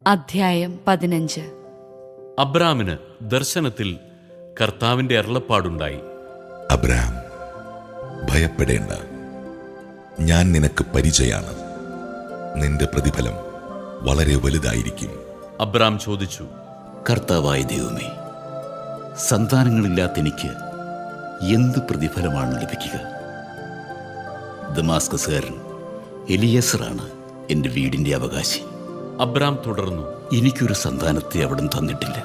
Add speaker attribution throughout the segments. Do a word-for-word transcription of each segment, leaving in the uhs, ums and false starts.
Speaker 1: അധ്യായം പതിനഞ്ച്.
Speaker 2: അബ്രാമിന് ദർശനത്തിൽ കർത്താവിന്റെ അരുളപ്പാടുണ്ടായി.
Speaker 3: അബ്രാം, ഭയപ്പെടേണ്ട, ഞാൻ നിനക്ക് പരിചയാണ്. നിന്റെ പ്രതിഫലം വളരെ വലുതായിരിക്കും.
Speaker 2: അബ്രാം ചോദിച്ചു,
Speaker 4: കർത്താവായ ദൈവമേ, സന്താനങ്ങളില്ലാത്ത എനിക്ക് എന്ത് പ്രതിഫലമാണ് ലഭിക്കുക? ദമാസ്കസുകാരൻ എലിയസറാണ് എൻ്റെ വീടിൻ്റെ അവകാശി.
Speaker 2: അബ്രാം തുടർന്നു,
Speaker 4: എനിക്കൊരു സന്താനത്തെ അവിടുന്ന് തന്നിട്ടില്ല.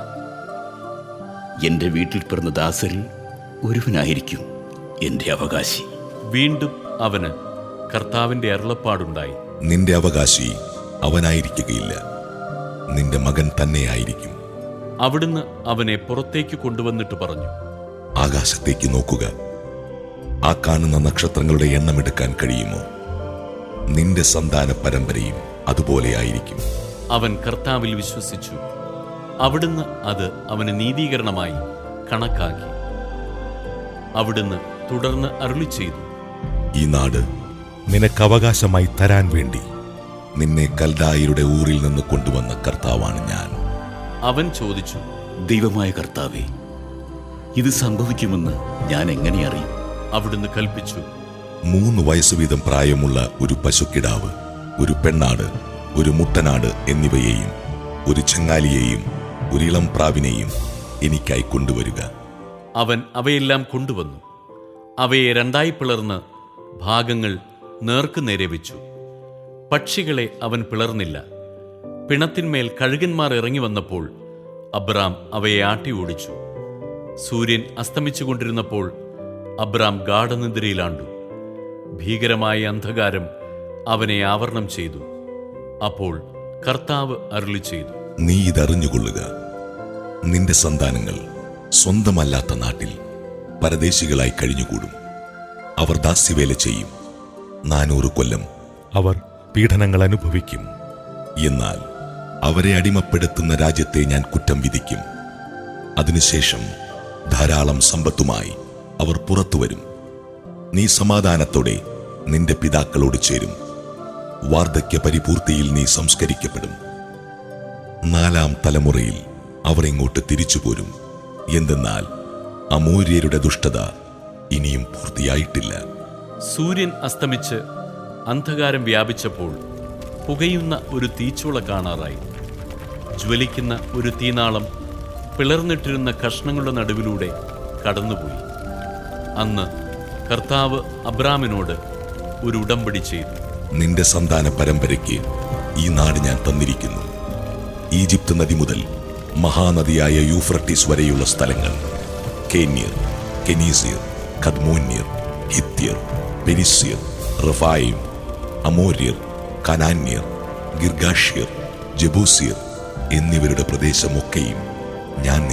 Speaker 4: എൻ്റെ വീട്ടിൽ പിറന്ന ദാസരിൽ ഒരുവനായിരിക്കും എൻ്റെ അവകാശി.
Speaker 2: വീണ്ടും അവന് കർത്താവിന്റെ അരുളപ്പാടുണ്ടായി.
Speaker 3: നിന്റെ അവകാശി അവനായിരിക്കുകയില്ല, നിന്റെ മകൻ തന്നെയായിരിക്കും.
Speaker 2: അവിടുന്ന് അവനെ പുറത്തേക്ക് കൊണ്ടുവന്നിട്ട് പറഞ്ഞു,
Speaker 3: ആകാശത്തേക്ക് നോക്കുക. ആ കാണുന്ന നക്ഷത്രങ്ങളുടെ എണ്ണമെടുക്കാൻ കഴിയുമോ? നിന്റെ സന്താന പരമ്പരയും അതുപോലെയായിരിക്കും.
Speaker 2: അവൻ കർത്താവിൽ വിശ്വസിച്ചു. അവിടുന്ന് അത് അവന് നീതീകരണമായി കണക്കാക്കി. അവിടുന്ന് തുടർന്ന് അരുളി ചെയ്തു,
Speaker 3: ഈ നാട് നിനക്ക് അവകാശമായി തരാൻ വേണ്ടി നിന്നെ കൽദായരുടെ ഊരിൽ നിന്ന് കൊണ്ടുവന്ന കർത്താവാണ് ഞാൻ.
Speaker 2: അവൻ ചോദിച്ചു,
Speaker 4: ദൈവമായ കർത്താവേ, ഇത് സംഭവിക്കുമെന്ന് ഞാൻ എങ്ങനെ അറിയും?
Speaker 2: അവിടുന്ന് കൽപ്പിച്ചു,
Speaker 3: മൂന്ന് വയസ്സ് വീതം പ്രായമുള്ള ഒരു പശുക്കിടാവ്, ഒരു പെണ്ണാട്, ഒരു മുട്ടനാട് എന്നിവയെയും ഒരു ചെങ്ങാലിയെയും ഒരു ഇളം പ്രാവിനെയും എനിക്കായി കൊണ്ടുവരിക.
Speaker 2: അവൻ അവയെല്ലാം കൊണ്ടുവന്നു. അവയെ രണ്ടായി പിളർന്ന് ഭാഗങ്ങൾ നേർക്കുനേരെ വെച്ചു. പക്ഷികളെ അവൻ പിളർന്നില്ല. പിണത്തിന്മേൽ കഴുകന്മാർ ഇറങ്ങി വന്നപ്പോൾ അബ്രാം അവയെ ആട്ടി ഓടിച്ചു. സൂര്യൻ അസ്തമിച്ചുകൊണ്ടിരുന്നപ്പോൾ അബ്രാം ഗാഢനിദ്രയിലാണ്ടു. ഭീകരമായ അന്ധകാരം അവനെ ആവരണം ചെയ്തു. അപ്പോൾ കർത്താവ് അരുളി ചെയ്തു,
Speaker 3: നീ ഇതറിഞ്ഞുകൊള്ളുക. നിന്റെ സന്താനങ്ങൾ സ്വന്തമല്ലാത്ത നാട്ടിൽ പരദേശികളായി കഴിഞ്ഞുകൂടും. അവർ ദാസ്യവേല ചെയ്യും. നാനൂറ് കൊല്ലം അവർ പീഡനങ്ങൾ അനുഭവിക്കും. എന്നാൽ അവരെ അടിമപ്പെടുത്തുന്ന രാജ്യത്തെ ഞാൻ കുറ്റം വിധിക്കും. അതിനുശേഷം ധാരാളം സമ്പത്തുമായി അവർ പുറത്തുവരും. നീ സമാധാനത്തോടെ നിന്റെ പിതാക്കളോട് ചേരും. വാർദ്ധക്യ പരിപൂർത്തിയിൽ നീ സംസ്കരിക്കപ്പെടും. നാലാം തലമുറയിൽ അവർ ഇങ്ങോട്ട് തിരിച്ചുപോരും. എന്തെന്നാൽ അമോര്യരുടെ ദുഷ്ടത ഇനിയും പൂർത്തിയായിട്ടില്ല.
Speaker 2: സൂര്യൻ അസ്തമിച്ച് അന്ധകാരം വ്യാപിച്ചപ്പോൾ പുകയുന്ന ഒരു തീച്ചൂള കാണാറായി. ജ്വലിക്കുന്ന ഒരു തീനാളം പിളർന്നിട്ടിരുന്ന കഷ്ണങ്ങളുടെ നടുവിലൂടെ കടന്നുപോയി. അന്ന് കർത്താവ് അബ്രാമിനോട് ഒരു ഉടമ്പടി ചെയ്തു.
Speaker 3: നിന്റെ സന്താന പരമ്പരയ്ക്ക് ഈ നാട് ഞാൻ തന്നിരിക്കുന്നു. ഈജിപ്ത് നദി മുതൽ മഹാനദിയായ യൂഫ്രട്ടീസ് വരെയുള്ള സ്ഥലങ്ങൾ, കേന്യർ, കെനീസിയർ, കദ്മോന്യർ, ഹിത്യർ, പെരിസ്യർ, റഫായിം, അമോര്യർ, കനാന്യർ, ഗിർഗാഷ്യർ, ജബൂസിയർ എന്നിവരുടെ പ്രദേശമൊക്കെയും ഞാൻ